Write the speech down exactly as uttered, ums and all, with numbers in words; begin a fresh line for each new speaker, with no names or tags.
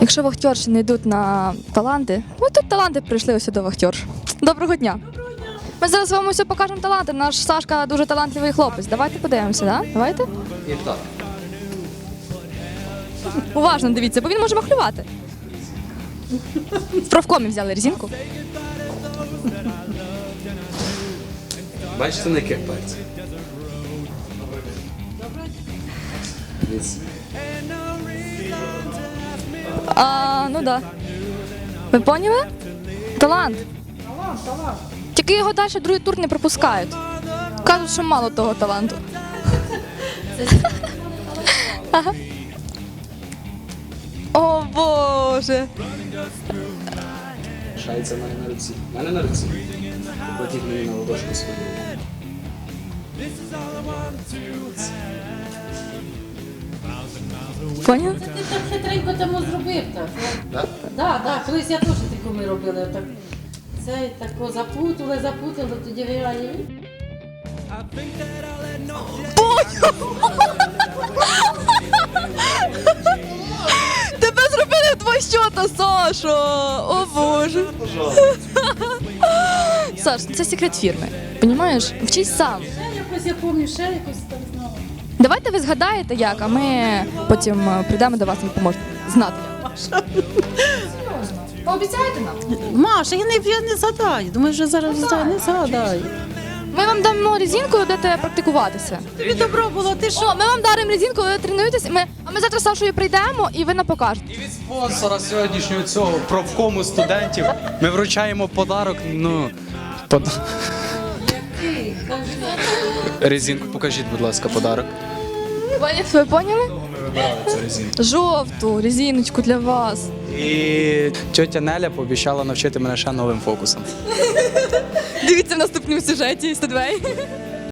Якщо вахтерші не йдуть на таланти, ну тут таланти прийшли ось до вахтерш. Доброго дня. Ми зараз вам усе покажемо таланти. Наш Сашка дуже талантливий хлопець. Давайте подивимося, да? Давайте?
І так.
Уважно дивіться, бо він може махлювати. В профкомі взяли резинку.
Бачите, на яких пальцях? Дивіться.
А, ну да. Ви поняли? Талант.
Талант, талант.
Тільки його далі другий тур не пропускають. Кажуть, що мало того таланту. Ага. О, Боже!
Шається в мене на руці. В мене на руці. Платіть мені на ладошку свою.
Поняли?
Ти так хитренько тому зробив так.
Так?
Так, так, колись я теж таку ми робили. Так. Це тако запутали, запутали, тоді виграє він.
Тебе зробили в два щота, Сашо! О, Боже! Саш, це секрет фірми. Понімаєш? Вчись сам.
Ще якось я пам'ятаю, ще якось так знову.
Давайте ви згадаєте як, а ми потім е, прийдемо до вас і поможемо знати. Серйозно. Пообіцяєте нам?
Маша, я не, я не згадаю. Думаю, що зараз
Згадай.
не згадаю.
Ми вам дамо резинку, будете практикуватися.
Тобі добро було, ти що?
О, ми вам даримо резинку, ви тренуєтесь, ми, а ми завтра з Сашою прийдемо і ви нам покажете.
І від спонсора сьогоднішнього цього профкому студентів ми вручаємо подарок. Ну, под...
Який? Кажи.
резинку покажіть, будь ласка, подарок.
Пані, ви поняли?
Ми вибирали цю резинку.
Жовту резиночку для вас.
І тьотя Неля пообіцяла навчити мене ще новим фокусом.
Дивіться в наступному сюжеті Студвей.